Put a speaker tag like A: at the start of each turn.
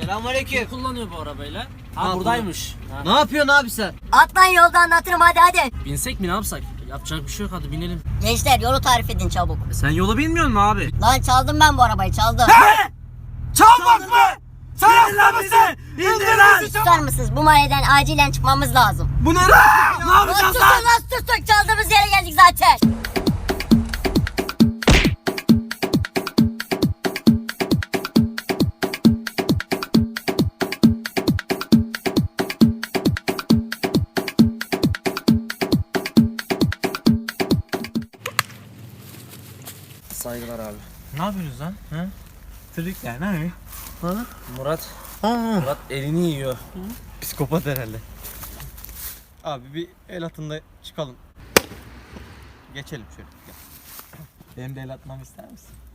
A: Selamünaleyküm.
B: Kim kullanıyor bu arabayla? Ha buradaymış. Ha.
A: Ne yapıyorsun abi sen?
C: Atlan yolda anlatırım hadi.
B: Binsek mi ne yapsak? Yapacak bir şey yok, hadi binelim.
C: Gençler yolu tarif edin çabuk.
A: Sen yolu bilmiyor musun abi?
C: Lan çaldım ben bu arabayı çaldım.
A: Çalmak mı? Sen hasta mısın? İndir lan!
C: Susar mısınız? Bu mahalleden acilen çıkmamız lazım.
A: Bu ne lan? Ne
C: Lan
A: yapacağız
C: susun
A: lan?
C: lan sustuk, çaldığımız yere geldik zaten.
B: Saygılar abi.
A: Ne yapıyorsunuz lan? Ha? Trikler ne?
B: Murat.
A: Ha.
B: Murat elini yiyor.
A: Psikopat herhalde. Abi bir el atında çıkalım. Geçelim şöyle. Gel. Benim de el atmamı ister misin?